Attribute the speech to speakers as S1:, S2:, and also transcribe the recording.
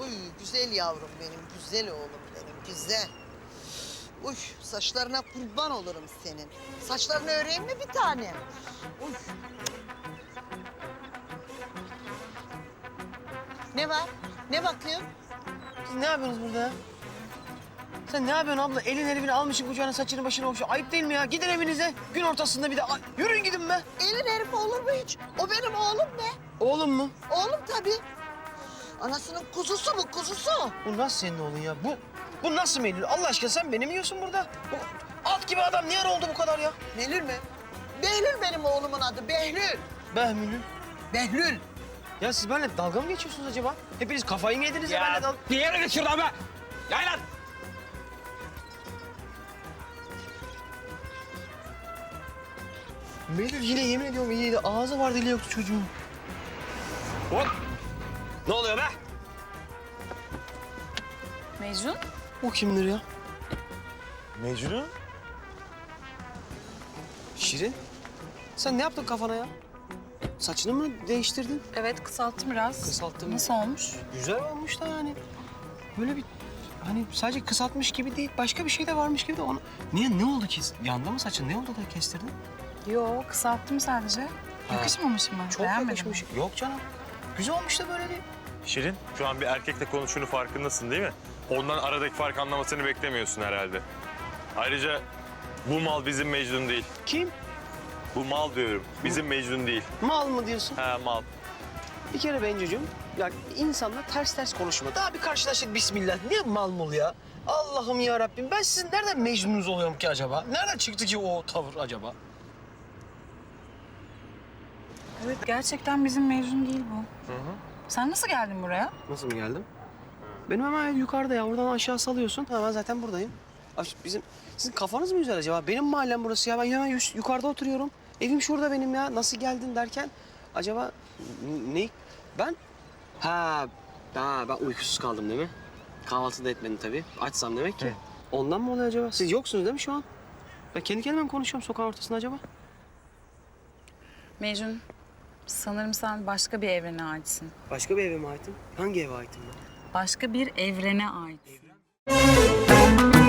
S1: Uy güzel yavrum benim, güzel oğlum benim, güzel. Uy saçlarına kurban olurum senin. Saçlarını öreyim mi bir tane? Uy. Ne var? Ne bakıyorsun?
S2: Siz ne yapıyorsunuz burada ya? Sen ne yapıyorsun abla? Elin herifini almışsın kucağına, saçını başını okşuyor. Ayıp değil mi ya? Gidin evinize. Gün ortasında bir de yürüyün gidin be.
S1: Elin herif olur mu hiç? O benim oğlum be.
S2: Oğlum mu?
S1: Oğlum tabii. Anasının kuzusu mu kuzusu?
S2: Bu nasıl senin oğlun ya? Bu nasıl Melül? Allah aşkına sen beni mi yiyorsun burada? Bu at gibi adam niye oldu bu kadar ya?
S1: Behlül mü? Behlül benim oğlumun adı, Behlül.
S2: Behmülül.
S1: Behlül.
S2: Ya siz benimle dalga mı geçiyorsunuz acaba? Hepiniz kafayı mı yediniz ya benimle dalga?
S3: Bir yere git şuradan be! Yay lan!
S2: Melül yine yemin ediyorum iyiydi. Ağzı var dili yoktu çocuğun.
S3: Hop! Ne oluyor be?
S4: Mecnun?
S2: O kimdir ya?
S3: Mecnun?
S2: Şirin. Sen ne yaptın kafana ya? Saçını mı değiştirdin?
S4: Evet, kısalttım biraz.
S2: Kısalttım.
S4: Nasıl olmuş?
S2: Güzel olmuş da yani. Böyle bir hani sadece kısaltmış gibi değil, başka bir şey de varmış gibi de onu... Niye, ne oldu ki? Yandı mı saçın? Ne oldu da kestirdin?
S4: Yo, kısalttım sadece. Yakışmamış mı?
S2: Çok
S4: Beğenmedin
S2: yakışmış.
S4: mi?
S2: Yok canım. Güzel olmuş da böyle değil.
S5: Şirin, şu an bir erkekle konuştuğunu farkındasın değil mi? Ondan aradaki fark anlamasını beklemiyorsun herhalde. Ayrıca bu mal bizim Mecnun değil.
S2: Kim?
S5: Bu mal diyorum, bizim Mecnun değil.
S2: Mal mı diyorsun?
S5: He mal.
S2: Bir kere Bencucuğum, ya insanla ters konuşma. Daha bir karşılaştık bismillah. Niye mal mol ya? Allah'ım ya Rabbim, ben sizin nereden Mecnun'unuz oluyorum ki acaba? Nereden çıktı ki o tavır acaba?
S4: Evet, gerçekten bizim Mecnun değil bu. Sen nasıl geldin buraya?
S2: Nasıl mı geldim? Benim hemen ev yukarıda ya. Oradan aşağı salıyorsun. Ha, ben zaten buradayım. Abi sizin kafanız mı güzel acaba? Benim mahallem burası ya. Ben hemen yukarıda oturuyorum. Evim şurada benim ya. Nasıl geldin derken acaba ne? Ben? Ben uykusuz kaldım değil mi? Kahvaltı da etmedim tabii. Açsam demek ki. Ondan mı oluyor acaba? Siz yoksunuz değil mi şu an? Ben kendi kendime mi konuşuyorum sokağın ortasında acaba?
S4: Mecnun, sanırım sen başka bir evrene aitsin.
S2: Başka bir eve mi aitim? Hangi eve aitim ben?
S4: Başka bir evrene aitsin.